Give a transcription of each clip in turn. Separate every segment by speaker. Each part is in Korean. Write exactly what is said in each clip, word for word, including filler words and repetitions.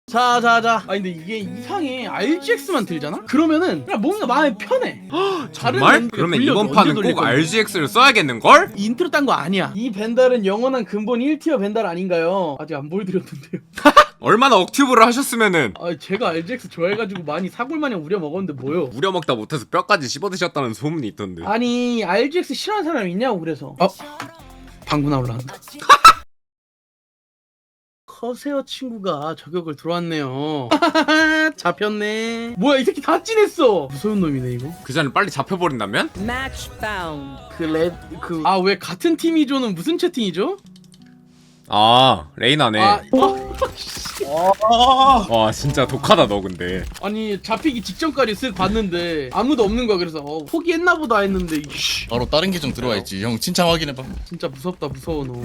Speaker 1: 자자자. 아 근데 이게 이상해. 알지엑스만 들잖아? 그러면은 그냥 뭔가 마음이 편해.
Speaker 2: 정말? 그러면 이번 판은 꼭 알지엑스를 써야겠는걸?
Speaker 1: 인트로 딴 거 아니야. 이 벤달은 영원한 근본 일 티어 벤달 아닌가요? 아직 안 보여드렸는데요.
Speaker 2: 얼마나 억튜브를 하셨으면은.
Speaker 1: 아 제가 알지엑스 좋아해가지고 많이 사골마냥 우려먹었는데 뭐요?
Speaker 2: 우려먹다 못해서 뼈까지 씹어드셨다는 소문이 있던데.
Speaker 1: 아니 알지엑스 싫어하는 사람 있냐고 그래서. 어? 방구나 올라간다. 커세어 친구가 저격을 들어왔네요. 잡혔네. 뭐야 이 새끼 다 찐했어. 무서운 놈이네 이거.
Speaker 2: 그 전에 빨리 잡혀버린다면?
Speaker 3: Match found.
Speaker 1: 그레그아 왜 같은 팀이죠는 무슨 채팅이죠?
Speaker 2: 아 레이나네.
Speaker 1: 아 어?
Speaker 2: 와 진짜 독하다 너 근데.
Speaker 1: 아니 잡히기 직전까지 쓱 봤는데 아무도 없는 거야. 그래서 어, 포기했나 보다 했는데 이씨,
Speaker 4: 바로 다른 계정 들어와 있지. 형 진짜 확인해봐.
Speaker 1: 진짜 무섭다 무서워 너.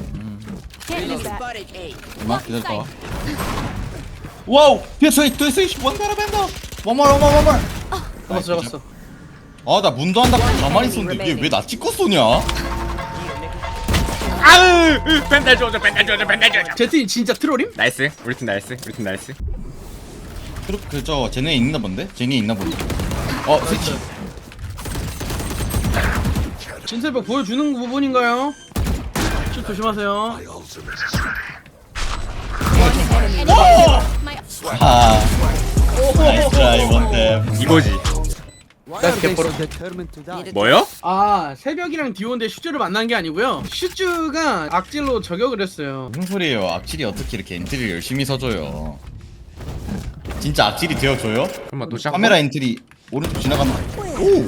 Speaker 4: 잠깐만 기다려봐. 와우! 피에스 에잇 피에스 에잇 원가라 벤더. 원몰 원몰 원몰.
Speaker 1: 잡았어 잡았어.
Speaker 4: 아나 문도 한다고 가만히 있었는데 이게 왜 나 찍고 쏘냐?
Speaker 2: 아으 벤달 줘줘 벤달 줘줘 벤달 줘줘.
Speaker 1: 제트님 진짜 트롤임?
Speaker 2: 나이스 우리 팀 나이스 우리 팀 나이스.
Speaker 4: 그저 쟤네 있나 본데? 쟤네 있나 본데. 어 스위치.
Speaker 1: 진세벽 보여주는 부분인가요? 좀 조심하세요.
Speaker 4: 아. 나이스 트라이 원템.
Speaker 2: 이거지.
Speaker 1: 나이스 개뽀로.
Speaker 2: 뭐요?
Speaker 1: 아 새벽이랑 디오인데 슈즈를 만난 게 아니고요. 슈즈가 악질로 저격을 했어요.
Speaker 4: 무슨 소리예요? 악질이 어떻게 이렇게 엔트리를 열심히 서줘요? 진짜 악질이 되어줘요?
Speaker 2: 그럼 또 시작.
Speaker 4: 카메라 엔트리 오른쪽 지나가면 오!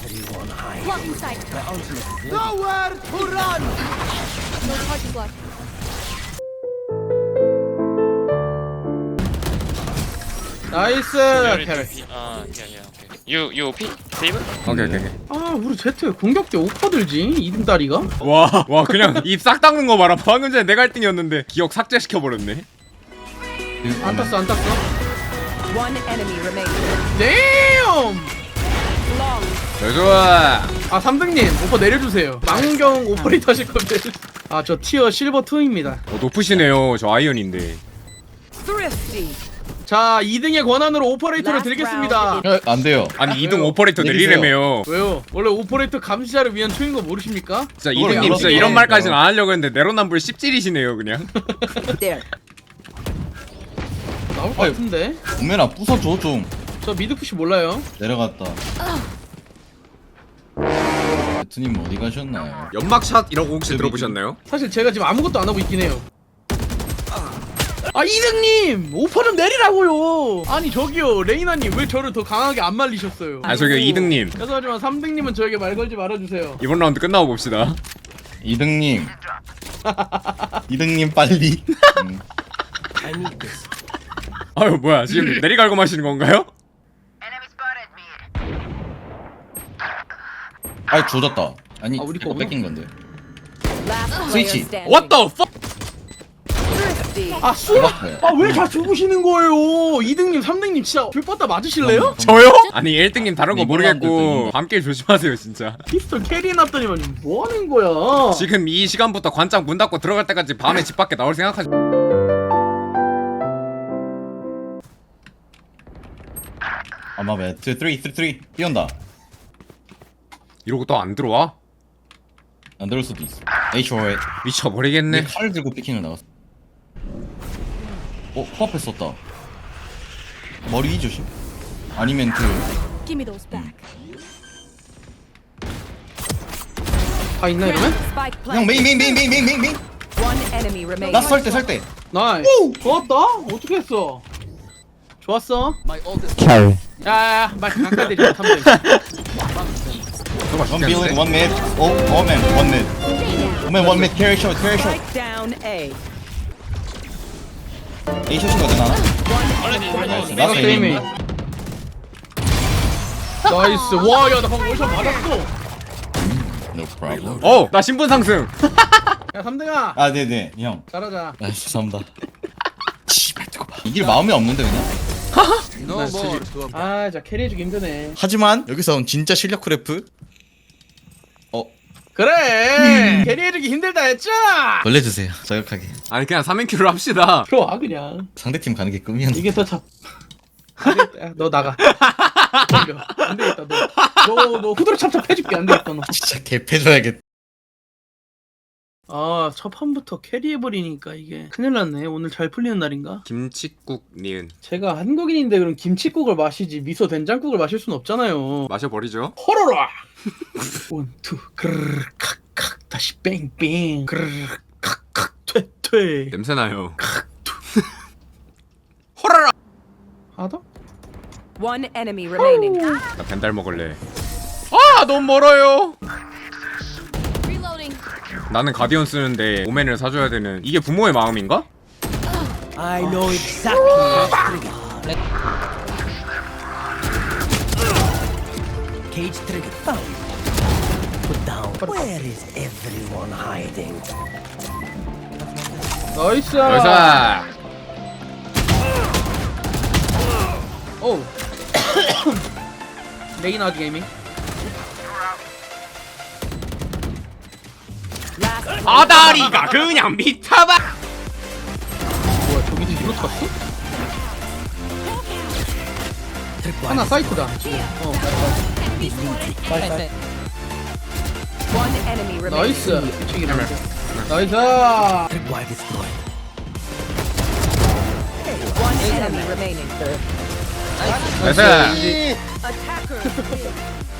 Speaker 1: 나이스
Speaker 5: You're
Speaker 1: 캐럿.
Speaker 5: P. Uh, yeah, yeah, okay. You, you O P? Saber?
Speaker 2: 오케이 오케이 오케이.
Speaker 1: 아 우리 제트 공격 때 오퍼 들지 이등 다리가?
Speaker 2: 와, 와 그냥 입 싹 닦는 거 봐라. 방금 전에 내가 일 등이었는데 기억 삭제시켜버렸네.
Speaker 1: 안 땄어 안 땄어.
Speaker 3: One enemy remaining.
Speaker 1: 댐!
Speaker 3: Long.
Speaker 2: 좋아.
Speaker 1: 아 삼등님 오퍼 내려주세요. 망경 오퍼레이터 하실 건데. 아 저 티어 실버 이입니다.
Speaker 2: 어, 높으시네요. 저 아이언인데.
Speaker 3: Thrifty.
Speaker 1: 자 이등의 권한으로 오퍼레이터를 드리겠습니다.
Speaker 4: 어, 안 돼요.
Speaker 2: 아니 이 등 오퍼레이터
Speaker 4: 내리세요.
Speaker 2: 내리래매요.
Speaker 1: 왜요? 원래 오퍼레이터 감시자를 위한 초인 거 모르십니까?
Speaker 2: 진짜
Speaker 4: 그걸
Speaker 2: 이등님 진짜
Speaker 4: 알아서
Speaker 2: 이런
Speaker 4: 해요.
Speaker 2: 말까지는 안 하려고 했는데 내로남불 씹질이시네요 그냥.
Speaker 3: There.
Speaker 1: 나올 것
Speaker 4: 아유.
Speaker 1: 같은데?
Speaker 4: 오메나 부숴줘 좀.
Speaker 1: 저 미드푸시 몰라요.
Speaker 4: 내려갔다. 베트님 어디 가셨나요?
Speaker 2: 연막샷이라고 혹시 들어보셨나요?
Speaker 1: 사실 제가 지금 아무것도 안 하고 있긴 해요. 아 이등님 오퍼 좀 내리라고요. 아니 저기요 레이나님 왜 저를 더 강하게 안 말리셨어요?
Speaker 2: 아 저기 이등님
Speaker 1: 죄송하지만 삼등님은 저에게 말 걸지 말아주세요.
Speaker 2: 이번 라운드 끝나고 봅시다.
Speaker 4: 이등님. 이등님 빨리. 음.
Speaker 2: 아유 뭐야 지금 내리갈고 마시는 건가요?
Speaker 4: 아이 조졌다. 아니
Speaker 1: 아, 우리
Speaker 4: 이거
Speaker 1: 거구나.
Speaker 4: 뺏긴 건데.
Speaker 3: Last player
Speaker 4: Switchy.
Speaker 3: standing.
Speaker 2: What the fuck?
Speaker 3: Thrifty.
Speaker 1: 아 쏘라!
Speaker 4: 알았어요.
Speaker 1: 아왜 다 죽으시는 거예요? 이등님 삼등님 진짜 불 뻗다 맞으실래요?
Speaker 2: 저요? 아니 일 등님 다른 거
Speaker 4: 이번
Speaker 2: 모르겠고
Speaker 4: 라운드도
Speaker 2: 밤길 조심하세요 진짜.
Speaker 1: 피스톨 캐리 놨더니만 뭐 하는 거야?
Speaker 2: 지금 이 시간부터 관장 문 닫고 들어갈 때까지 밤에 집 밖에 나올 생각하지.
Speaker 4: 아마 매. 삼, 삼, 삼, 삼. 뛰온다.
Speaker 2: 이러고 또 안 들어와?
Speaker 4: 안 들을 수도 있어. A 쇼에.
Speaker 2: 미쳐버리겠네.
Speaker 4: 내 칼을 들고 피킹을 나갔어. 어, 코앞에 썼다. 머리 조심. 아니면 그
Speaker 6: Give me those back.
Speaker 1: 다 있나 이러면?
Speaker 3: Spike
Speaker 4: 형
Speaker 3: planted.
Speaker 4: 메인 메인 메인 메인 메인 메인 메인.
Speaker 3: One enemy remaining.
Speaker 4: 나 설 때 설 때.
Speaker 1: 나이스. 좋았다. 어떻게 했어? 좋았어. 야야야 말 가까이 대지 삼등.
Speaker 4: One building, one mid. Oh, oh man, one mid. Oh man, one mid. Carry shot, carry shot.
Speaker 3: Spike down A.
Speaker 4: A shot인 거든 하나. 나이스.
Speaker 1: 내가
Speaker 4: 나이스
Speaker 1: 게임이.
Speaker 4: 에이밍.
Speaker 1: 나이스. 와야 나 방금 월샷 맞았어.
Speaker 4: No problem.
Speaker 2: 어! 나 신분 상승!
Speaker 1: 야 삼등아
Speaker 4: 아, 네, 네, 형.
Speaker 1: 잘하자.
Speaker 4: 아, 죄송합니다. 씨발 뜨거 봐. 이길 마음이 없는데 그냥.
Speaker 1: 아자 캐리해주기 힘드네.
Speaker 4: 하지만 여기서 진짜 실력 크래프. 어,
Speaker 1: 그 그래 캐리해주기 힘들다 했잖아.
Speaker 4: 벌려주세요 저격하게.
Speaker 2: 아니 그냥 삼 인큐를 합시다.
Speaker 1: 들어와 그냥.
Speaker 4: 상대팀 가는 게 꿈이었는데.
Speaker 1: 이게 더 잡. 안 되겠다. 야, 너 나가. 덤벼. 안 되겠다. 너, 너, 너 후드로 찹찹 해줄게. 안 되겠다. 너.
Speaker 4: 진짜 개패줘야겠다.
Speaker 1: 아, 첫 판부터 캐리해버리니까 이게 큰일 났네. 오늘 잘 풀리는 날인가?
Speaker 2: 김치국 니은
Speaker 1: 제가 한국인인데 그럼 김치국을 마시지 미소 된장국을 마실 순 없잖아요.
Speaker 2: 마셔버리죠.
Speaker 1: 호로라. 원, 투, 그르르, 칵칵, 다시 뺑뺑, 그르르, 칵칵, 퇴퇴.
Speaker 2: 냄새나요. 호라라.
Speaker 1: 하나 더?
Speaker 3: One enemy remaining.
Speaker 2: 나 벤달 먹을래. 아 너무 멀어요. 나는 가디언 쓰는데 오맨을 사줘야 되는 이게 부모의 마음인가?
Speaker 6: I know exactly. Cage trigger found. Put down. Where is everyone hiding?
Speaker 1: 나이스.
Speaker 2: 여기서
Speaker 1: 오. 레이나드 게이밍.
Speaker 3: Last
Speaker 2: 아다리가 그냥 미쳐봐.
Speaker 1: 뭐야 저기 뒤로 탔어? 하나 사이트다. 어.
Speaker 3: one enemy remaining.
Speaker 1: 나이스. 뒤치기 나이스. 나이스.
Speaker 6: Tripwire destroyed.
Speaker 3: One enemy remaining.
Speaker 2: 나이스.
Speaker 3: Attacker.